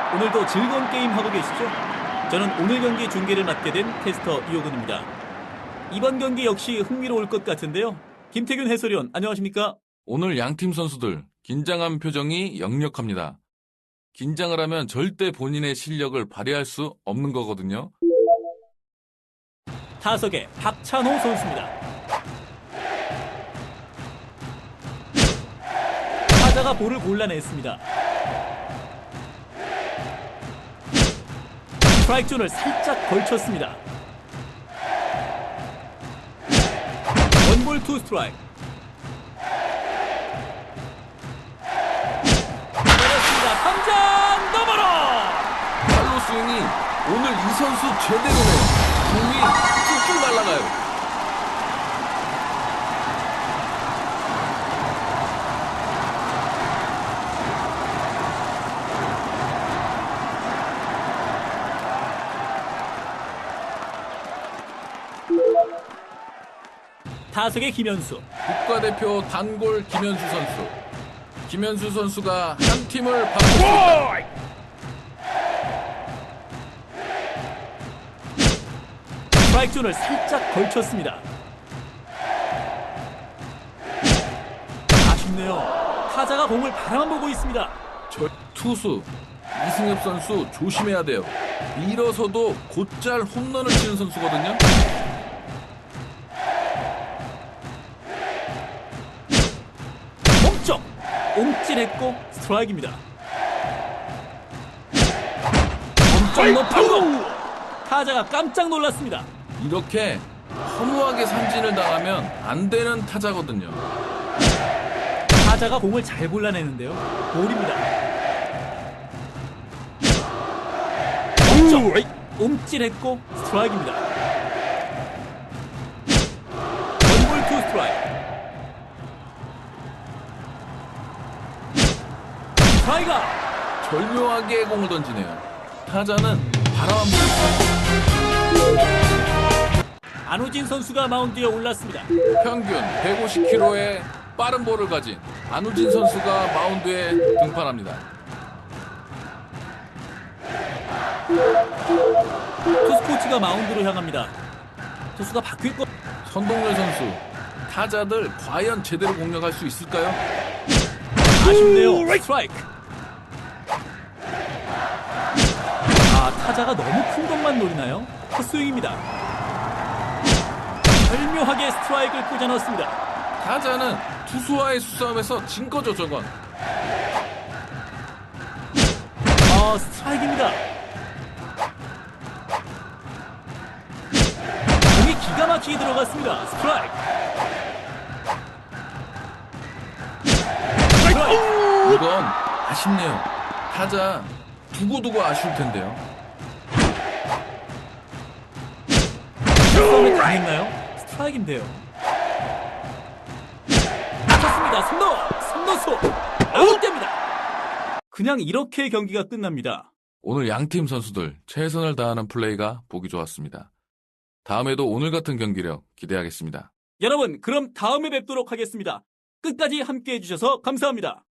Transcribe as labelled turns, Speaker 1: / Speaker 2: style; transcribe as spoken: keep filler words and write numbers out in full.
Speaker 1: 오늘도 즐거운 게임 하고 계시죠? 저는 오늘 경기 중계를 맡게 된 캐스터 이호근입니다. 이번 경기 역시 흥미로울 것 같은데요. 김태균 해설위원, 안녕하십니까?
Speaker 2: 오늘 양팀 선수들 긴장한 표정이 역력합니다. 긴장을 하면 절대 본인의 실력을 발휘할 수 없는 거거든요.
Speaker 1: 타석의 박찬호 선수입니다. 타자가 볼을 골라냈습니다. 스트라이크 존을 살짝 걸쳤습니다. 원볼 투 스트라이크. 때렸습니다. 담장 너머로.
Speaker 2: 팔로 스윙이 오늘 이 선수 제대로네요. 공이 쭉쭉 날아가요.
Speaker 1: 타석의 김현수.
Speaker 2: 국가대표 단골 김현수 선수. 김현수 선수가 한 팀을 바꾸고 있다.
Speaker 1: 스트라이크 존을 살짝 걸쳤습니다. 아쉽네요. 타자가 공을 바라만 보고 있습니다.
Speaker 2: 저 투수 이승엽 선수 조심해야 돼요. 밀어서도 곧잘 홈런을 치는 선수거든요.
Speaker 1: 몸쪽 옴찔했고 스트라이크입니다. 몸쪽 높은 공. 타자가 깜짝 놀랐습니다.
Speaker 2: 이렇게 허무하게 삼진을 당하면 안 되는 타자거든요.
Speaker 1: 타자가 공을 잘 골라내는데요. 볼입니다. 몸쪽 옴찔했고 스트라이크입니다. 원볼 투 스트라이크. 스트라이크.
Speaker 2: 절묘하게 공을 던지네요. 타자는 바라만 보고 있어요.
Speaker 1: 안우진 선수가 마운드에 올랐습니다.
Speaker 2: 평균 백오십 킬로미터의 빠른 볼을 가진 안우진 선수가 마운드에 등판합니다.
Speaker 1: 투수 코치가 마운드로 향합니다. 투수가 바뀔 것.
Speaker 2: 선동열 선수, 타자들 과연 제대로 공략할 수 있을까요?
Speaker 1: 아쉽네요. 스트라이크. 아, 타자가 너무 큰 것만 노리나요? 헛스윙입니다. 절묘하게 스트라이크를 꽂아 넣었습니다.
Speaker 2: 타자는 투수와의 수싸움에서 진 거죠, 저건.
Speaker 1: 아, 스트라이크입니다. 공이 기가 막히게 들어갔습니다. 스트라이크. 스트라이크.
Speaker 2: 이건 아쉽네요. 타자 두고두고 아쉬울 텐데요.
Speaker 1: 싸움이 당했나요? 스트라이크인데요. 쳤습니다. 삼루! 삼루수! 아웃됩니다. 그냥 이렇게 경기가 끝납니다.
Speaker 2: 오늘 양팀 선수들 최선을 다하는 플레이가 보기 좋았습니다. 다음에도 오늘 같은 경기력 기대하겠습니다.
Speaker 1: 여러분, 그럼 다음에 뵙도록 하겠습니다. 끝까지 함께해 주셔서 감사합니다.